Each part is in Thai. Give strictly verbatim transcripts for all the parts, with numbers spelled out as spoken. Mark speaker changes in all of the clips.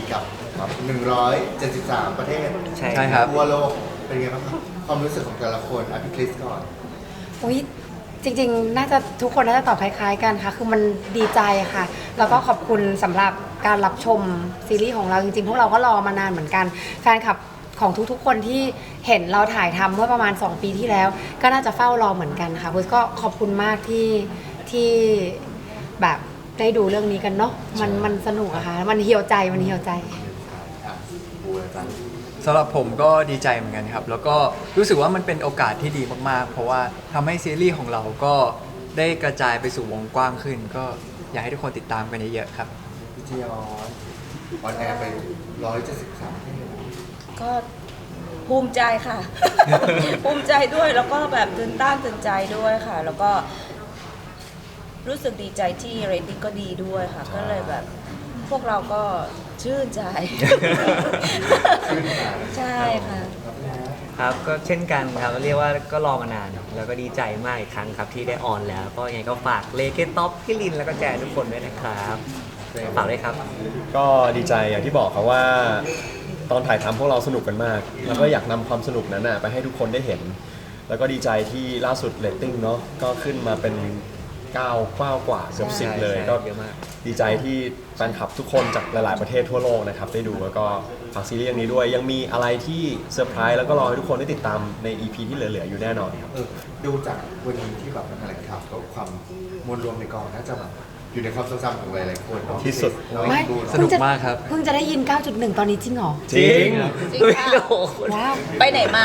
Speaker 1: กับหนึ่งร้อยเจ็ดสิบสามประเทศ
Speaker 2: ใช่ครับ
Speaker 1: ทั่วโลกเป็นไงบ้างครับความรู้สึกของแต่ละคนอภิคริสก่อน
Speaker 3: อุ๊ยจริงๆ น่าจะทุกคนน่าจะตอบคล้ายๆกันค่ะคือมันดีใจค่ะแล้วก็ขอบคุณสำหรับการรับชมซีรีส์ของเราจริงๆพวกเราก็รอมานานเหมือนกันแฟนคลับของทุกๆคนที่เห็นเราถ่ายทำเมื่อประมาณสองปีที่แล้ว ก็น่าจะเฝ้ารอเหมือนกันค่ะพุทธก็ขอบคุณมากที่ที่แบบได้ดูเรื่องนี้กันเนาะมันมันสนุกอะค่ะมันเหี่ยวใจมันเหี่ยวใจ
Speaker 1: อ่ะบูอาจารย์
Speaker 2: สำหรับผมก็ดีใจเหมือนกันครับ แล้วก็รู้สึกว่ามันเป็นโอกาสที่ดีมากๆ เพราะว่าทำให้ซีรีส์ของเราก็ได้กระจายไปสู่วงกว้างขึ้น ก็อยากให้ทุกคนติดตามกันเยอะๆครับ
Speaker 1: พี่จียอนออนแอร์ไปหนึ่งร้อยเจ็ดสิบสามประเทศ
Speaker 4: ก็ภูมิใจค่ะ ภูมิใจด้วยแล้วก็แบบตื่นต้านตื่นใจด้วยค่ะ แล้วก็รู้สึกดีใจที่เรตติ้งก็ดีด้วยค่ะ ก็เลยแบบพวกเราก็ชื่นใจ ใช่ค่ะ
Speaker 5: ครับก็เช่นกันครับเรียกว่าก็รอมานาน แล้วก็ดีใจมากอีกครั้งครับที่ได้ออนแล้ว ก็ยังไงก็ฝากเลเกต็อปพี่ลินแล้วก็แจทุกคนด้วยนะครับฝากด้วยครับ
Speaker 6: ก็ดีใจอย่างที่บอกครับว่าตอนถ่ายทำพวกเราสนุกกันมาก แล้วก็อยากนำความสนุกนั้นนะไปให้ทุกคนได้เห็น แล้วก็ดีใจที่ล่าสุดเรตติ้งเนาะก็ขึ้นมาเป็นเก้าเก้ากว่าเกือบสิบ
Speaker 5: ใช่
Speaker 6: เลย
Speaker 5: ใช่
Speaker 6: ก็
Speaker 5: เยอะมาก
Speaker 6: ดีใจที่แฟนคลับทุกคนจากหลาย ๆ ประเทศทั่วโลกนะครับได้ดูแล้วก็ฝากซีรีส์เรื่องนี้ด้วย ยังมีอะไรที่เซอร์ไพรส์แล้วก็รอให้ทุกคนได้ติดตามใน อี พี ที่เหลือ ๆ อยู่แน่นอนครับ
Speaker 1: เออดูจากวันนี้ที่แบบแถลงข่าวกับความมวลรวมในกองน่าจะแบบอยู่ในความทรงจำของหลายๆคนเนาะ
Speaker 6: ที่สุด
Speaker 3: ไม่
Speaker 1: ดู
Speaker 2: สนุกมากครับ
Speaker 3: เพิ่งจะได้ยิน เก้าจุดหนึ่ง ตอนนี้จริงเหรอ
Speaker 6: จริง
Speaker 4: จริงค่ะ
Speaker 3: ว้าว
Speaker 4: ไปไหนมา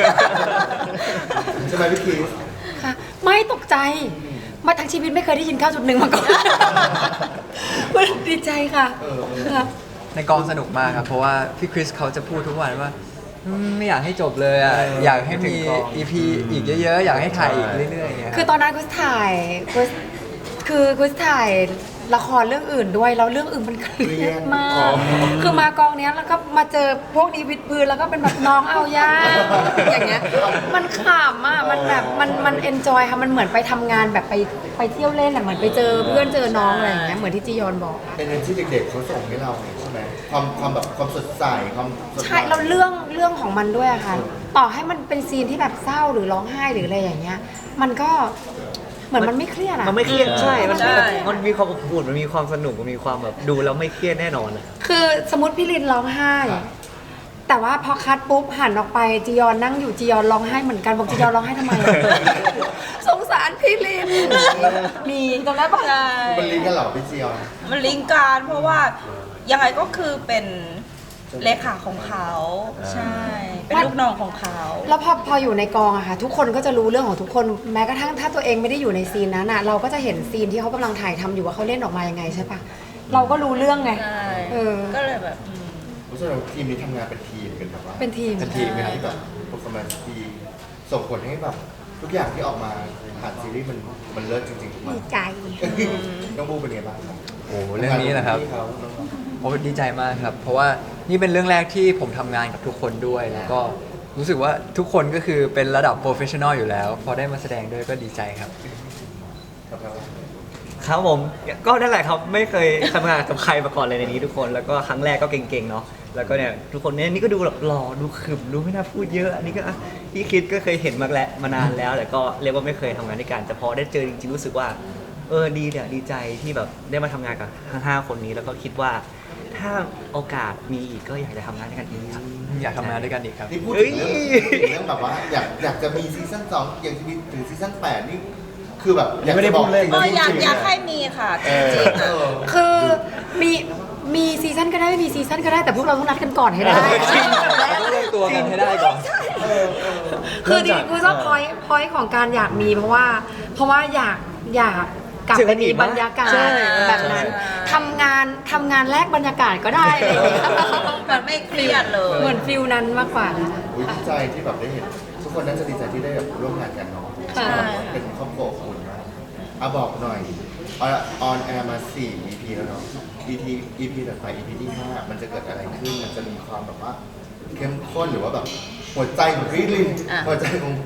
Speaker 1: ใช่ไหมพี่คริส
Speaker 3: ค่ะ ไม่ตกใจ มาทั้งชีวิตไม่เคยได้ยิน เก้าจุดหนึ่ง มาก่อน ดีใจค่ะค่ะ
Speaker 2: ในกองสนุกมากครับ เพราะว่าพี่คริสเขาจะพูดทุกวันว่าอืมไม่อยากให้จบเลยอ่ะอยากให้มี อี พี อีกเยอะๆ อยากให้ถ่ายอีกเรื่อยๆอย่างเงี้ย
Speaker 3: คือตอนนั้นกุสถ่ายกุสคือกุสถ่ายละครเรื่องอื่นด้วย แล้วเรื่องอื่นมันเครียดมาก คือมากองเนี้ยแล้วก็มาเจอพวกนี้วิดพื้นแล้วก็เป็นแบบน้องเอาย่าอย่างเงี้ย มันขำอ่ะ มันแบบมันมันเอนจอยค่ะ มันเหมือนไปทำงานแบบไปไปเที่ยวเล่นอ่ะ เหมือนไปเจอเพื่อนเจอน้องอะไรอย่างเงี้ย เหมือนที่จียอนบอก
Speaker 1: เป็นเรื่องที่เด็กๆเขาส่งให้เราใช่ไหมความความแบบความสดใสความสด
Speaker 3: ใช่เราเรื่องเรื่องของมันด้วยอะค่ะ ต่อให้มันเป็นซีนที่แบบเศร้าหรือร้องไห้หรืออะไรอย่างเงี้ย มันก็เหมือนมันไม่เครียดอะ
Speaker 5: มันไม่เครียดใช่ มัน
Speaker 4: ใช่
Speaker 5: มันมีความอบอุ่นมันมีความสนุกมันมีความแบบดูแล้วไม่เครียดแน่นอนอะ
Speaker 3: คือสมมติพี่ลินร้องไห้ แต่ว่าพอคัดปุ๊บหันออกไปจียอนนั่งอยู่จียอนร้องไห้เหมือนกันบอกจียอนร้องไห้ทำไมอะ สงสารพี่ลิน มีตรงนั้นปะ
Speaker 4: ใช่
Speaker 1: มันลิงก์กันเหรอพี่จียอน
Speaker 4: มันลิงก์กันเพราะว่ายังไงก็คือเป็นเลขาของเขาใช่ เป็นลูกน้องของเขา
Speaker 3: แล้วพอพออยู่ในกองอะค่ะ ทุกคนก็จะรู้เรื่องของทุกคนแม้กระทั่งถ้าตัวเองไม่ได้อยู่ในซีนนั้นอะเราก็จะเห็นซีนที่เขากำลังถ่ายทำอยู่ว่าเขาเล่นออกมายังไงใช่ปะเราก็รู้เรื่องไง
Speaker 4: ใช่
Speaker 3: เออ
Speaker 4: ก็เลยแบบอืม
Speaker 1: เพราะฉะนั้นทีมนี้ทำงานเป็นทีมเป็นแบบว่า
Speaker 3: เป็นทีม
Speaker 1: เป็นทีมเป็นที่แบบ performance ดีส่งผลให้แบบทุกอย่างที่ออกมาผ่านซีรีส์มันมันเลิศจริงๆทุกมัน
Speaker 3: ดีใจ
Speaker 1: น้องบูเป็นไงบ้างครับ
Speaker 2: โอ้โหเรื่องนี้นะครับ
Speaker 1: ที่เขา
Speaker 2: โอ้ดีใจมากครับ เพราะว่านี่เป็นเรื่องแรกที่ผมทำงานกับทุกคนด้วย แล้วก็รู้สึกว่าทุกคนก็คือเป็นระดับโปรเฟชชั่นอลอยู่แล้ว พอได้มาแสดงด้วยก็ดีใจครับ
Speaker 1: ครับเรา
Speaker 5: ครับผมก็นั่นแหละครับไม่เคยทำงานกับใครมาก่อนเลยในนี้ทุกคนแล้วก็ครั้งแรกก็เก่งๆเนาะแล้วก็เนี่ยทุกคนเนี่ยนี่ก็ดูแบบหล่อดูขรึมดูไม่น่าพูดเยอะอันนี้ก็อ่ะพี่คิดก็เคยเห็นมาแล้วมานานแล้วแต่ก็เรียกว่าไม่เคยทำงานด้วยกันแต่พอได้เจอจริงๆรู้สึกว่าเออดีเนี่ยดีใจที่แบบได้มาทำงานกับทั้งห้าคนนี้แล้วก็คิดว่าถ้าโอกาสมีอีกก็อยากจะทำงานด้วยกันอีกครับ
Speaker 2: อยากทำงานด้วยกันอีกครับ
Speaker 1: นี่พูด
Speaker 5: เอ้
Speaker 1: ถึ
Speaker 5: ย
Speaker 1: งเรื่องพูดถึงเรื่องแบบว่าอยากอยากจะมีซีซั่นสองอยากจะมีถึงซีซั่นแปดนี่คือแบบอยาก
Speaker 6: ไม่ได้
Speaker 1: จะบอ
Speaker 6: พู
Speaker 1: ก
Speaker 6: ดเล่น
Speaker 4: เอออยาก
Speaker 1: จริงๆ
Speaker 4: อยากให้มีค่ะจริงๆ
Speaker 1: เอ
Speaker 4: อะ
Speaker 1: อ
Speaker 3: คือมีมีซีซั่นก็ได้ไม่มีซีซั่นก็ได้แต่พวกเราต้องนัดกันก่อนให้ได้
Speaker 2: ต้องเลือกตัวกันให้ได้ก่อน
Speaker 3: คือจริงๆคือชอบพอยพอยของการอยากมีเพราะว่า เพราะว่าอยากอยากกลับไปมีบรรยากาศ
Speaker 5: ใช่
Speaker 3: แบบนั้นทำงานทำงานแลกบรรยากาศก็ได้อะไรอย่างเงี้ย
Speaker 4: มันไม่เครียดเลย
Speaker 3: เหมือนฟิลนั้นมากกว่า
Speaker 1: อุ๊ยดีใจที่แบบได้เห็น ทุกคนน่าจะดีใจที่ได้แบบร่วมงานกันเนาะ
Speaker 3: ใช่
Speaker 1: เป็นครอบครัวอบอุ่นมากอ่ะบอกหน่อยออนแอร์มาสี่ อี พี แล้วเนาะ อี พี อี พี ต่อไป อี พี ที่ห้ามันจะเกิดอะไรขึ้นมันจะมีความแบบว่าเข้มข้นหรือว่าแบบหัวใจของพี่ลิน
Speaker 4: อ่ะ
Speaker 1: หัวใจของ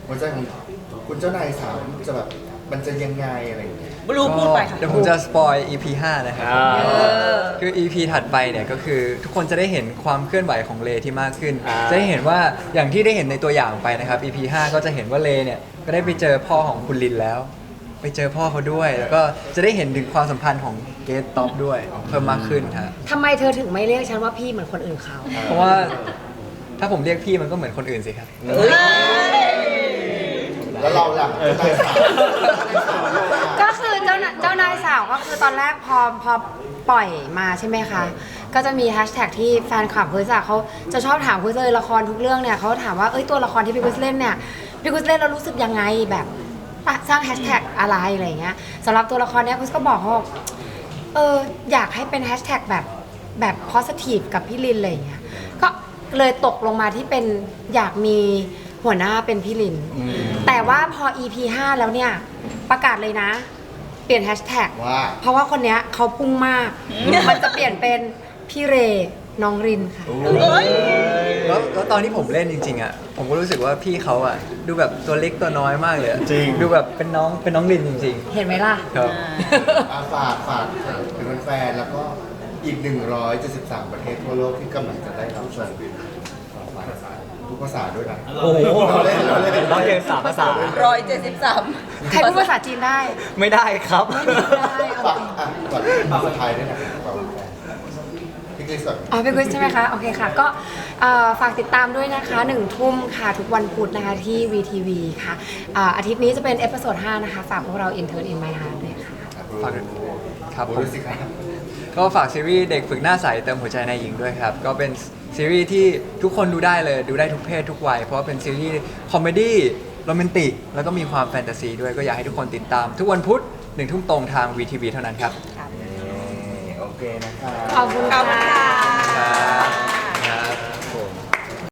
Speaker 1: หัวใจของคุณเจ้านายสามจะแบบมันจะยังไงอะไรอย่างเงี้ย
Speaker 4: บลูพูดไปค่ะ
Speaker 2: เดี๋ยวผมจะสปอย อี พี ห้านะครับ
Speaker 5: อ่า
Speaker 2: คือ อี พี ถัดไปเนี่ยก็คือทุกคนจะได้เห็นความเคลื่อนไหวของเลที่มากขึ้น
Speaker 5: อ่า
Speaker 2: จะได้เห็นว่าอย่างที่ได้เห็นในตัวอย่างไปนะครับ อี พี ห้า ก็จะเห็นว่าเลเนี่ยก็ได้ไปเจอพ่อของคุณลินแล้ว ไปเจอพ่อเขาด้วย แล้วก็จะได้เห็นถึงความสัมพันธ์ของเกสต็อปด้วยเพิ่มมากขึ้นครับ
Speaker 3: ทำไมเธอถึงไม่เรียกฉันว่าพี่เหมือนคนอื่นเขา
Speaker 2: เพราะว่าถ้าผมเรียกพี่มันก็เหมือนคนอื่นสิครับ
Speaker 1: แล้วเราหลังเจ้านายสาม
Speaker 3: ก็คือเจ้าน่ะเจ้านายสาวก็คือตอนแรกพอพอปล่อยมาใช่ไหมคะ ก็จะมีแฮชแท็กที่แฟนคลับคุยจากเขาจะชอบถามคุยเลยละครทุกเรื่องเนี่ยเขาถามว่าเอ้ยตัวละครที่พี่คุยเล่นเนี่ยพี่คุยเล่นเรารู้สึกยังไงแบบสร้างแฮชแท็กอะไรอะไรอย่างเงี้ยสำหรับตัวละครเนี้ยคุยก็บอกเขาบอกเอออยากให้เป็นแฮชแท็กแบบแบบ positive กับพี่ลินอะไรอย่างเงี้ยก็เลยตกลงมาที่เป็นอยากมีหัวหน้าเป็นพี่ลิน แต่ว่าพอ อี พี ห้า แล้วเนี่ยประกาศเลยนะ เปลี่ยนแฮชแท็ก
Speaker 1: ว่า
Speaker 3: เพราะว่าคนเนี้ยเขาพุ่งมาก มันจะเปลี่ยนเป็นพี่เรน้องรินค่ะ
Speaker 2: แล้วแล้วตอนที่ผมเล่นจริงๆอ่ะผมก็รู้สึกว่าพี่เขาอ่ะดูแบบตัวเล็กตัวน้อยมากเลยอะ
Speaker 6: จริง
Speaker 2: ดูแบบเป็นน้องเป็นน้องลินจริง
Speaker 3: เห็นไหมล่ะ
Speaker 2: ๆครับ
Speaker 1: อาฝากฝากถึงแฟนๆแล้วก็อีกหนึ่งร้อยเจ็ดสิบสามประเทศทั่วโลกที่กำลังจะได้รับชมทุกภาษาด้วยนะ
Speaker 5: โอ้โห
Speaker 1: เราเล่นเราเล่น
Speaker 5: ต้องเรียนสามภาษา
Speaker 4: ร้อยเจ็ดสิบสาม
Speaker 3: ใครพูดภาษาจีนได้
Speaker 5: ไม่ได้ครับ
Speaker 1: ฝากอ่ะก่อนสุดท้ายด้วยนะฝากแฟนพี่คริสก่อน
Speaker 3: อ๋อเป็นควิสใช่ไหมคะ โอเคค่ะ ก็เอ่อฝากติดตามด้วยนะคะหนึ่งทุ่มค่ะ ทุกวันพุธนะคะที่ วี ที วี ค่ะอ่าอาทิตย์นี้จะเป็นเอพิโซดห้านะคะ ฝากพวกเรา Intern in My Heart ด้วยค่ะ
Speaker 2: ฝากครับ
Speaker 1: โอ้
Speaker 2: ผม
Speaker 1: ดูสิครับ
Speaker 2: ก็ฝากซีรีส์เด็กฝึกหน้าใสเติมหัวใจนายหญิงด้วยครับ ก็เป็นซีรีส์ที่ทุกคนดูได้เลยดูได้ทุกเพศทุกวัย เพราะว่าเป็นซีรีส์คอมเมดี้โรแมนติก แล้วก็มีความแฟนตาซีด้วยก็อยากให้ทุกคนติดตาม ทุกวันพุธหนึ่งทุ่มตรงทาง วี ที วี เท่านั้นครับ
Speaker 1: โอเคนะครับ
Speaker 3: ขอบคุณ
Speaker 4: ขอบคุณ
Speaker 3: ค่ะ
Speaker 4: ค่ะ